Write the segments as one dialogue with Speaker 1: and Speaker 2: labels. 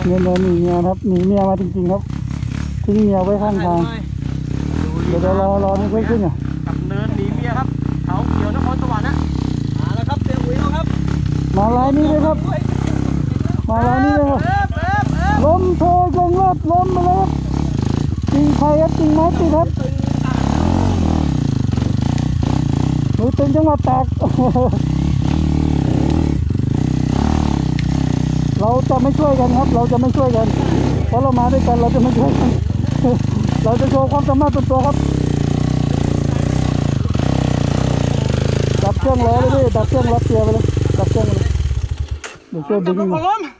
Speaker 1: เงินหนีเมียครับหนีเมียมาจริงๆครับทิ้งเมียไว้ข้างทางเดี๋ยวรอนี่เพิ่งขึ้นอ่ะ
Speaker 2: กับเนินหนีเมียครับเขาเขียวนครสวรรค์นะมาแล้วครับเสียอุ๋ยครับ
Speaker 1: มาลายนี้เลยครับมาลายนี้เลยครับล้มโชว์จงรถล้มไปแล้วครับจริงใครครับจริงไม้ติดครับมือตึงจังหวัดตากเราจะไม่ช่วยกันครับเราจะไม่ช่วยกันเพราะเรามาด้วยกันเราจะไม่ช่วยกันเราจะโชว์ความสามารถตัวครับดับเครื่องล้อเลยพี่ดับเครื่องรับเกียร์ไปเลยดับเครื่องไปเลยเดี๋ยวช่วยดึงมา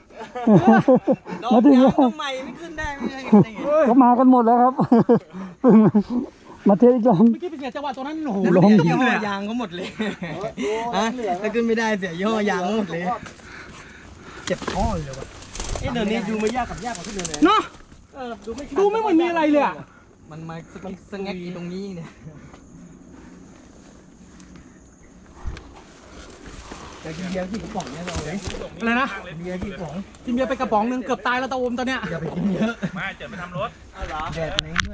Speaker 1: ถึงแล้ว
Speaker 2: ใหม่ไม่ขึ้นได้ไม่ได้
Speaker 1: เขามากันหมดแล้วครับมาเทอีกรอบ
Speaker 2: เมื่อกี้เป็นเสียจังหวะตรงนั้นโอ้โหล้มย่อยางเขาหมดเลยฮะถ้าขึ้นไม่ได้เสียย่อยางหมดเลยเจ็บข้อเลยวะเดินนี้ดูไม่ยากกว่าที่เดินเลยเนาะดูไม่เหมือนมีอะไรเลยอ่ะมันมาสแงกตรงนี้เนี่ยแต่กินเบียร์กี่กระป๋องเนี่ยเราเลยอะไรนะเบียร์กี่กระป๋องกินเบียร์ไปกระป๋องนึงเกือบตายแล้วตาอมตอนเนี้ยอย่าไปกินเยอะ
Speaker 3: ไม่เจอไปทำรถ
Speaker 2: แดดนี้